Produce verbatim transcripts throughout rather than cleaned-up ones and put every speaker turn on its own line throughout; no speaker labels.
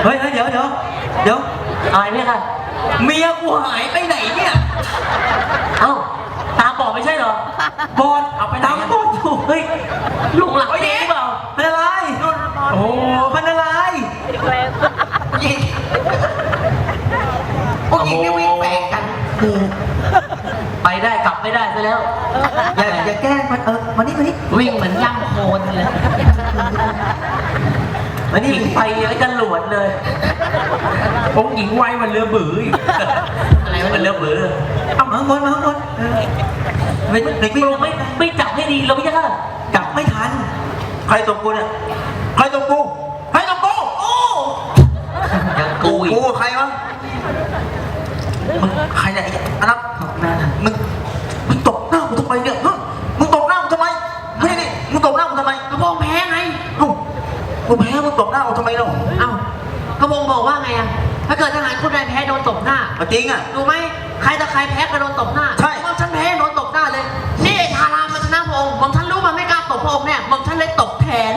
เฮ้ยเดี๋ยวเดี๋ยวเดี๋ยว
อะไรเนี่ยค่ะ
เมียกูหายไปไหนเนี่ย
เอ้าตาบอดไม่ใช่เหรอบ
อลเอาไปตามบอลอยู่
เฮ้ยลุงหลังเจ๊เปล่า
เป็นอะไรโอ้เป็นอะไรยิงพวกยิงนี่วิ่งแฝงกัน
ไปได้กลับไม่ได้ซะแล้ว
อย่าอย่าแกล้งมันเออมานี่มานี่
วิ่งเหมือนย่ำโคลนเลย
มานี่
หญิงไปแล้วจะหลวดเลย
องค์หญิงไว้มันเรือบื้ออีก
อะไรวะเรือเบือ
เอามาข้างบนมาข้างบนเออไม่ไม่
ไม่ไม่ไม่จับให้ดีเราไม่ใช่ค่ะ
กลับไม่ทันใครตบกูเนี่ยใครตบกูใครตบกูโอ้
ยังกูอีก
กูใครวะมึงใครเนี่ยไอ้อันนั้นมึงมึงตบหน้ากูทำไมเนี่ยฮะมึงตบหน้ากูทำไมไม่นี่มึงตบหน้ากูทำไม
กระบองแพ้ไง
เอ้ากูแพ้มึงตบหน้ากูทำไมเล่า
เอ้ากระบองบอกว่าไงอะถ้าเกิดทหารคนใดแพ้โดนตบหน้า
เอาจริงอ่ะ
รู้ไหมใครต่อใครแพ้ก็โดนตบหน้า
ใช่
หม่อมฉันแพ้โดนตบหน้าเลย นี่ไอ้ทารามาชนะพระองค์หม่อมฉันรู้มันไม่กล้าตบพระองค์แน่หม่อมฉันเลยตบแทน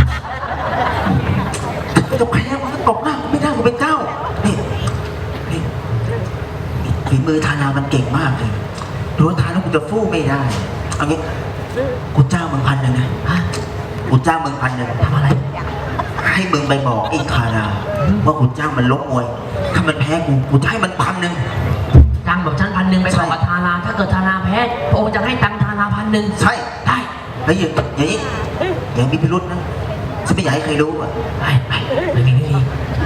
กูจะแพ้มึงก็ตบหน้ากูไม่ได้กูเป็นเจ้านี่นี่ฝีมือทานามันเก่งมากเลยรู้ว่าทานากูจะฟู่ไม่ได้เอางี้กูจ้างมึงพันหนึ่งนะฮะกูจ้างมึงพันหนึ่งทำอะไรให้มึงไปบอกไอ้ทาราว่ากูจ้างมันลบมวยถ้ามันแพ้กูกูจะให้มันพันหนึ่ง
ตังค์แบบฉันพันหนึ่งไปบอกกับทาราถ้าเกิดทาราแพ้พระองค์จะให้ตังค์ทาราพันหนึ่ง
ใช่
ได้
แล้วอย่างอย่างนี้อย่างมีพิรุษนะฉันไม่อยากให้ใครรู้อ่ะ
ไปไปไม่มีไม่มี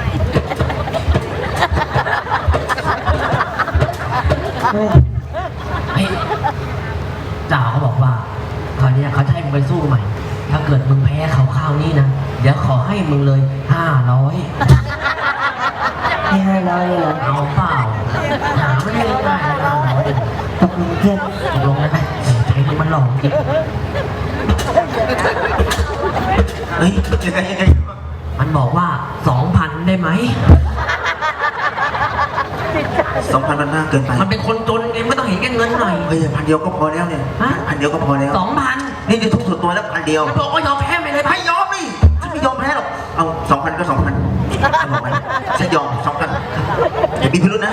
เฮ้ยจ่าเขาบอกว่าคราวนี้เขาจะให้มึงไปสู้ใหม่ ถ้าเกิดมึงแพ้เขาคราวนี้นะเดี๋ยวขอให้มึงเลยห้าร้อย
ให้ห้าร้อยเลยเหรอ
เอาเปล่าหาไม่ได้ง่ายๆนะห้าร้อย
ตกลงเพื่อน
ตกลงได้ไหมใจมันหลอกจริง
เฮ้ยยังไงยังไง
มันบอกว่าสองพันได้ไหม
สองพันมันมากเกินไป
มันเป็นคนจนเองไม่ต้องเห็นแก่เงินหน่อย
เฮ้ยพันเดียวก็พอแล้วเนี่ย
ฮะ
พันเดียวก็พอแล้ว
สองพัน
นี่นี่ทุกส่วนตัวแล้วพันเดียว
มันบอกว่ายอมแพ้ไปเลย
ไม่ยอมนี่ฉันไม่ยอมแพ้หรอกเอาสองพันก็สองพันฉันบอกไปฉันยอมสองพันอย่ามีพิรุธนะ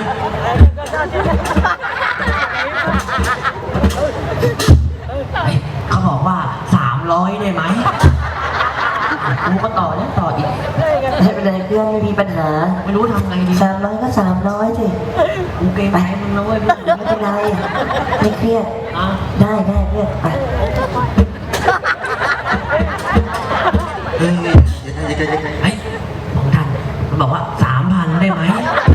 เฮ้ยเขาบอกว่าสามร้อยได้ไหมกูก็ต่อแล้วต่ออีก
ไม่เป็นไรเพื่อนไม่มีปัญหา
ไม่รู้ทำไงดี
สามร้อยก็สามร้อยสิ
กูเกรงใจมึงนะเว้ย
ไม่เป็นไรไม่เครียด
อ่ะ
ได้ได้เพื่อนไป
เฮ้ยยังไงยังไงยังไง
เฮ้ยของท่านมันบอกว่าสามพันได้ไหม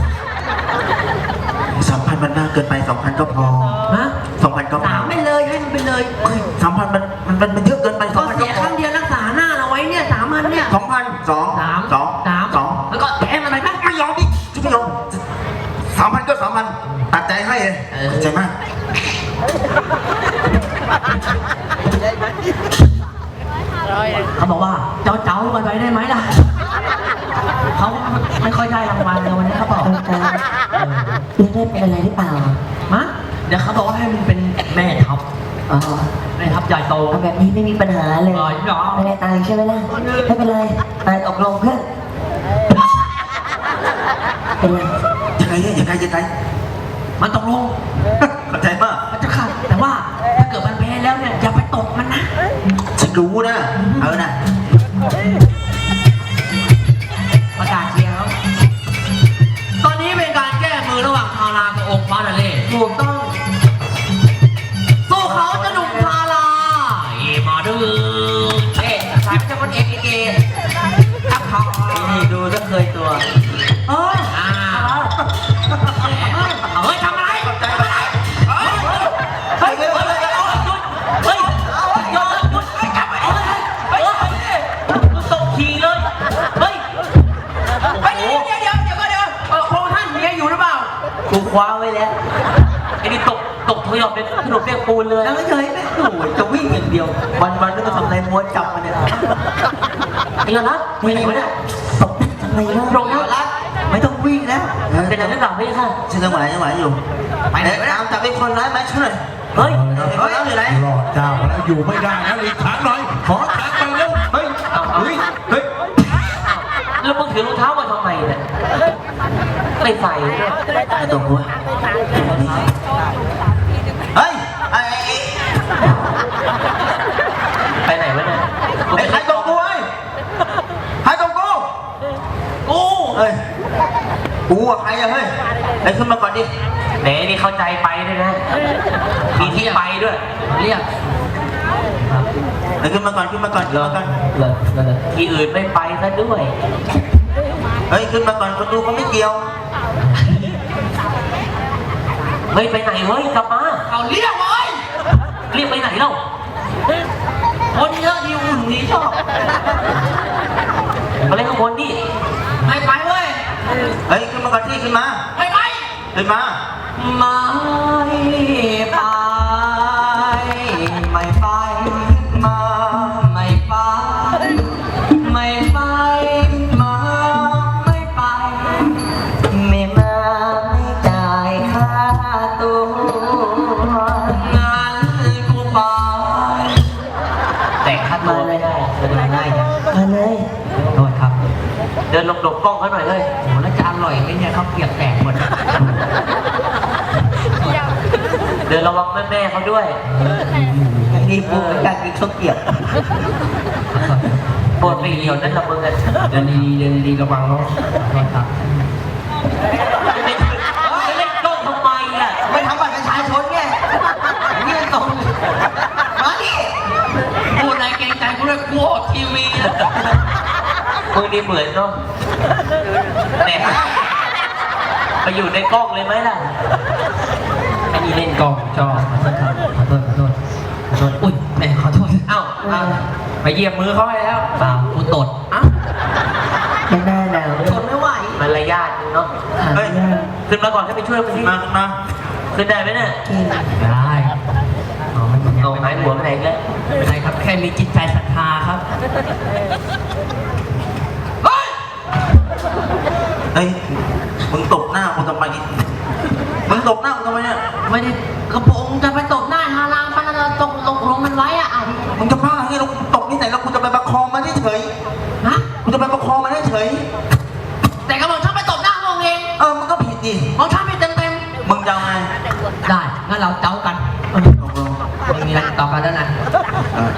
สามพันมันมากเกินไปสองพันก็พอ
ฮะ
สองพันก็พ
สา
อ
มไปเลยให้มันไปเลย
สามพันมันมันมันเยอะเกินไปส
ก็
องพัน
เสี
ก็
ย
พ
ค
อ
รั้งเดียวรักษาหน้าเราไว้เนี่ยสามพันเนี่ย
สองพันสอง
สาม
สอง
สาม
สอง
แล้วก็แถมอะไรบ้าง
ไม่ยอมดิฉันไม่ยอมสามพันก็สามพันตัดใจให้เลยตัดใจมาก
เขาบอกว่าเจ้าเจ้ากันไปได้ไหมล่ะเขาไม่ค่อยได้รางวัลเลยวันนี้เขาบอก
ต้องการเรื่องได้เป็นอะไรหรือเปล่า
มะเดี๋ยวเขาบอกว่าให้มันเป็นแม่ทัพ
อ๋อ
แม่ทัพใหญ่โต
เอาแบบนี้ไม่มีปัญหาเลย
อ๋อเหรอ
ไม่ได้ตายใช่ไหมล่ะไม่เป็นไรตายตกลงเพื่อนเป็นไร
ยังไงเนี่ยยังไงยังไง
มันตกลง
เข้าใจมาก
มันจะขาดแต่ว่าถ้าเกิดมันแพ้แล้วเนี่ยอย่าไปตกมันนะ
ฉันรู้นะเอานะ
ประกาศเชียร์เขาตอนนี้เป็นการแก้มือระหว่างทารากับองค์ฟ้าทะเลถูกต้องสู้เขาจะหนุ่มทาราเอมาดื้อเอ๊ะสายเจ้าคนเอกเอครับเขานี่ดูจะเคยตัวเอออ่าเอาเฮ้ยทำอะไรทำอะไรเฮ้ยเฮ้ยเฮ้ยเฮ้ยเฮ้ยหยุดหยุดจับไปเฮ้ยเฮ้ยมึงตกขี่เลยเฮ้ยเฮ้ยเดี๋ยวเดี๋ยวเดี๋ยวเดี๋ยวเออพระท่านเมียอยู่หรือเปล่ากูคว้าไว้แล้วไอ้นี่ตกตกถอยออกเป็นขนมเปียกปูนเลย
แล้วเฉยไม่โอ้ยจะวิ่งอย่างเดียว วันวันนึกว่าทำอะไรม้วนจับมันเนี่ย
ไอ้ยอดรักไม่ไหนวะเนี่ย
ตกทำไมล่ะ
ตรงยอดรัก
ไม่ต้องวิ่งแล้ว
เป็นอะไรหรือเปล่าพี่ค่ะ
ฉันจังหวะจังหวะอยู่ไปไหนไปตามจับเป็นคนร้ายไหมช่วยหน่อย
เฮ้ย
เฮ้ยอยู่ไหน
รอดเจ้าแล้วอยู่ไม่ได้แล้วอีกครั้งหน่อยขอครั้งไปเร็ว
เฮ้ยเฮ้ยเฮ้ย
แล้วมึงถือรองเท้ามาทำไมเนี่ยไม่ใส่เลย
ไม่ต้องกลัวเฮ้ยไอ้
ไปไหนวะเนี่ย
ไอ้ใครตรงกูเฮ้ยใครตรงกู
กู
เฮ้ยกูอะใครอะเฮ้ยไอ้ขึ้นมาก่อนดิ
แหนนี่เข้าใจไปด้วยนะมีที่ไปด้วยเรียก
ไอ้ขึ้นมาก่อนขึ้นมาก่อนขึ้นมาก่อน
เลยเลยที่อื่นไม่ไปซะด้วย
เฮ้ยขึ้นมาก่อนคนดูเขาไม่เกี่ยว
เฮ้ยไปไหนเฮ้ยกลับมา
เอาเรียกเลย
เรียกไปไหนเล่า
คนเยอะดีอุ่นดีชอบ
มาเล่นข้างบนนี่
ไม่ไปเว้ย
เฮ้ยขึ้นมาก่อนที่ขึ้นมา
ไม่ไป
ขึ้นมา
ไม่ไปไม่ไปมาไม่ไปไม่ไปมาไม่ไปไม่มาไม่จ่ายค่าตัวงั้นกูไป
แต่ค่าตัวไม่ได้เดินไม่ได้จ้ะ
มาเลย
โทษครับ
เดินหลบๆกล้องเขาหน่อยเลย
โหแล้วจะอร่อยไหมเนี่ยเขาวเกรียบแตกหมด
เดินระวังแม่ๆเขาด้วย
นี่ปูเป็นการกินข้าวเกรี๊ยว
ปวดไปเหี่ยวนั่นละมึงอ่ะ
เดินดีๆเดินดีๆระวังเนาะโทษครับ
จะเล่นกล้องทำไมอ่ะ
ไม่ทำบัตรประชาชนไงนี่มันตรงมาดิพูดอะไรเกรงใจกูด้วยกูออกทีวีนะ
มึงนี่เหมือนเนาะแหมไปอยู่ในกล้องเลยไหมล่ะ
ไอ้นี่เล่นกองจอขอโทษครับขอโทษขอโทษขอโทษอุ้ยแหมขอโทษ
เอ้าเอ้า
ไปเหยียบมือเขาไปแล้วเปล่ากูตดอ้า
ยังหน้าหนาว
ตดไม่ไหว
มารยาทเนาะ
เฮ้ย
ขึ้นมาก่อนให้ไปช่วยมึง
ขึ้
ที่
นมาขึ้นมา
ขึ้นได้ไหมเนี่ย
ได้อ๋อมันยัง
เอา
ไม่
หายหัวไปไหนกัน
ไม่เป็นไรครับแค่มีจิตใจศรัทธาครับเฮ้ย
เฮ้ยมึงตบหน้ากูทำไมมึงตบหน้ากูทำไมเนี่ย
ไม่ได้กระโปรงจะไปตบหน้าฮารามปะนะตกลงลงมันไว้อะอ่ะ
มึงจะบ้าไงเราตบที่ไหนแล้วกูจะไปประคองมันเฉย
ฮะ
ๆกูจะไปประคองมันเฉย
แต่กระบอกชอบไปตบหน้าพวกเอง
ๆเออมันก็ผิดดิ
มองชอบไปเต็มเต็ม
มึงจะเอาไง
ๆได้งั้นเราเจ้ากัน
ตกลง
ไม่มีอะไรต่อกันแล้วนะ
เออ